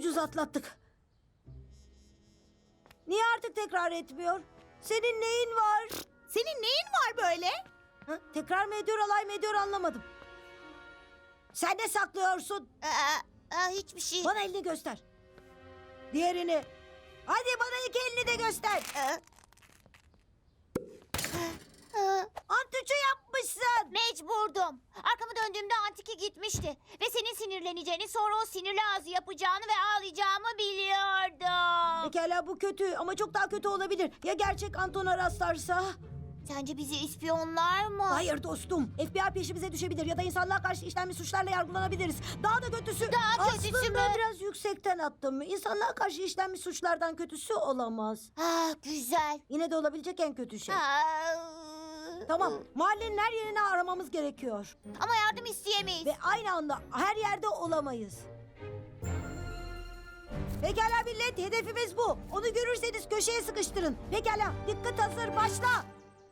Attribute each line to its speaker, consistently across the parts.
Speaker 1: ucuz atlattık. Niye artık tekrar etmiyor? Senin neyin var?
Speaker 2: Senin neyin var böyle?
Speaker 1: Ha, tekrar mı ediyor, alay mı ediyor anlamadım. Sen ne saklıyorsun?
Speaker 2: Hiçbir şey.
Speaker 1: Bana elini göster. Diğerini. Hadi bana iki elini de göster. Antüçü yapmışsın.
Speaker 2: Mecburdum. Arkamı döndüğümde Antiki gitmişti. Ve senin sinirleneceğini, sonra o sinirli ağzı yapacağını ve ağlayacağımı biliyordum.
Speaker 1: Pekala bu kötü ama çok daha kötü olabilir. Ya gerçek Anton'a rastlarsa?
Speaker 2: Sence bizi ispiyonlar mı?
Speaker 1: Hayır dostum. FBI peşimize düşebiir ya da insanlığa karşı işlenmiş suçlarla yargılanabiliriz. Daha da kötüsü...
Speaker 2: Daha kötüsü
Speaker 1: Aslında
Speaker 2: mü?
Speaker 1: biraz yüksekten attım. İnsanlığa karşı işlenmiş suçlardan kötüsü olamaz.
Speaker 2: Güzel.
Speaker 1: Yine de olabilecek en kötü şey.
Speaker 2: Aa,
Speaker 1: Tamam, mahallenin her yerini aramamız gerekiyor.
Speaker 2: Ama yardım isteyemeyiz.
Speaker 1: Ve aynı anda her yerde olamayız. Pekala millet, hedefimiz bu. Onu görürseniz köşeye sıkıştırın. Pekala, dikkat hazır, başla.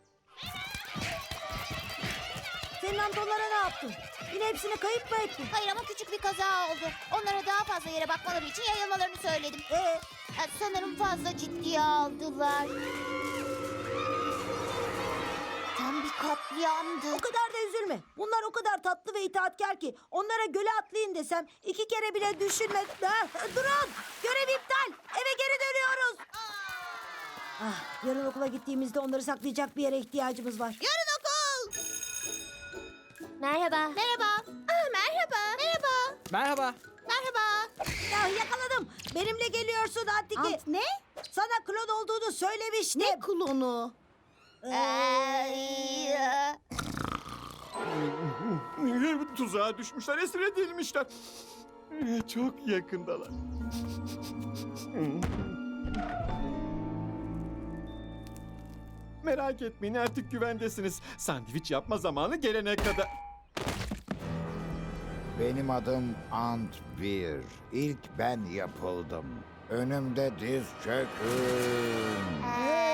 Speaker 1: Senin Antonlara ne yaptın? Yine hepsini kayıp mı ettin?
Speaker 2: Hayır ama küçük bir kaza oldu. Onlara daha fazla yere bakmaları için yayılmalarını söyledim. Sanırım fazla ciddiye aldılar. Tam bir katliamdı.
Speaker 1: O kadar da üzülme. Bunlar o kadar tatlı ve itaatkar ki onlara göle atlayın desem iki kere bile düşünme. Durun! Görev iptal! Eve geri dönüyoruz. Yarın okula gittiğimizde onları saklayacak bir yere ihtiyacımız var.
Speaker 2: Yarın okul. Merhaba. Merhaba. Merhaba. Merhaba.
Speaker 3: Merhaba.
Speaker 2: Merhaba.
Speaker 1: Yakaladım. Benimle geliyorsun Antiki.
Speaker 2: Ne?
Speaker 1: Sana klon olduğunu söylemiştim.
Speaker 2: Ne klonu?
Speaker 3: Tuzağa düşmüşler, esir edilmişler. Çok yakındalar. Merak etmeyin, artık güvendesiniz. Sandviç yapma zamanı gelene kadar.
Speaker 4: Benim adım Ant Bir. İlk ben yapıldım. Önümde diz çökün.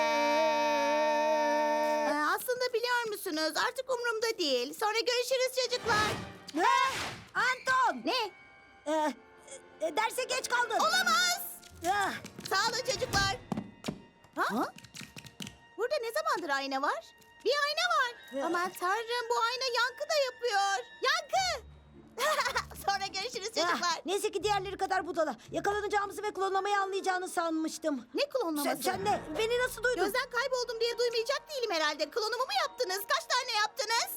Speaker 2: Aslında biliyor musunuz? Artık umurumda değil. Sonra görüşürüz çocuklar.
Speaker 1: Anton!
Speaker 2: Ne?
Speaker 1: Derse geç kaldın.
Speaker 2: Olamaz.
Speaker 1: Ah,
Speaker 2: Sağ olun çocuklar. Ha? Burada ne zamandır ayna var? Bir ayna var. Aman tanrım, bu ayna yankı da yapıyor. Yankı! Sonra görüşürüz çocuklar.
Speaker 1: Neyse ki diğerleri kadar budala. Yakalanacağımızı ve klonlamayı anlayacağını sanmıştım.
Speaker 2: Ne klonlaması?
Speaker 1: Sen de beni nasıl duydun?
Speaker 2: Gözden kayboldum diye duymayacak değilim herhalde. Klonumu mu yaptınız? Kaç tane yaptınız?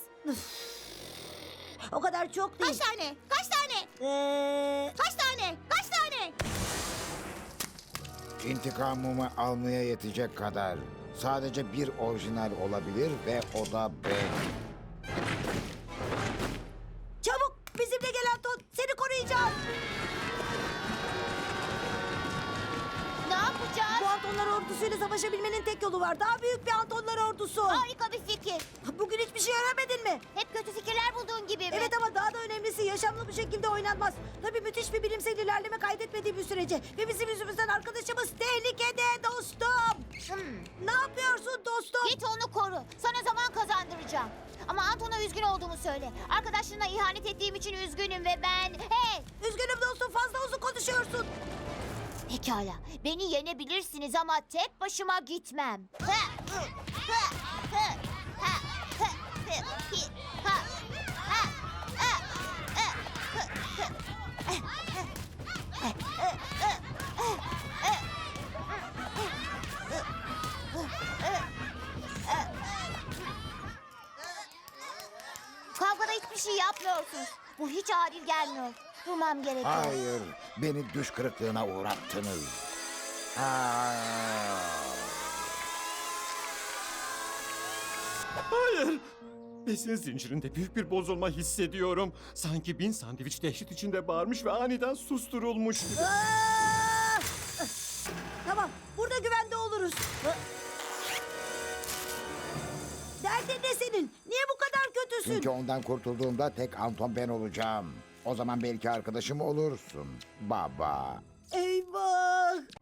Speaker 1: O kadar çok değil.
Speaker 2: Kaç tane? Kaç tane? Kaç tane? Kaç tane?
Speaker 4: İntikamımı almaya yetecek kadar. Sadece bir orijinal olabilir ve o da ben.
Speaker 1: Çabuk bizimle gel Anton. Seni koruyacağım.
Speaker 2: Ne yapacağız?
Speaker 1: Bu Antonlar ordusuyla savaşabilmenin tek yolu var. Daha büyük bir Antonlar ordusu.
Speaker 2: Harika bir fikir.
Speaker 1: Bugün hiçbir şey öğrenmedin mi?
Speaker 2: Hep kötü fikirler bulduğun gibi mi?
Speaker 1: Evet ama daha da önemlisi yaşamlı bir şekilde oynanmaz. Tabii müthiş bir bilimsel ilerleme kaydetmediği bir sürece. Ve bizim yüzümüzden arkadaşımız tehlikede dostum. Ne yapıyorsun dostum?
Speaker 2: Git onu koru. Sana zaman kazandıracağım. Ama Anton'a üzgün olduğumu söyle. Arkadaşlarına ihanet ettiğim için üzgünüm ve ben... Hey!
Speaker 1: Üzgünüm dostum, fazla uzun konuşuyorsun.
Speaker 2: Pekala. Beni yenebilirsiniz ama tek başıma gitmem. Kavgada hiçbir şey yapmıyorsunuz. Bu hiç adil gelmiyor. Durmam gerekiyor.
Speaker 4: Hayır, beni düş kırıklığına uğrattınız.
Speaker 3: Hayır. Besin zincirinde büyük bir bozulma hissediyorum. Sanki 1000 sandviç dehşet içinde bağırmış ve aniden susturulmuş gibi.
Speaker 1: Tamam, burada güvende oluruz. Derdin ne senin? Niye bu kadar kötüsün?
Speaker 4: Çünkü ondan kurtulduğumda tek Anton ben olacağım. O zaman belki arkadaşım olursun baba.
Speaker 1: Eyvah!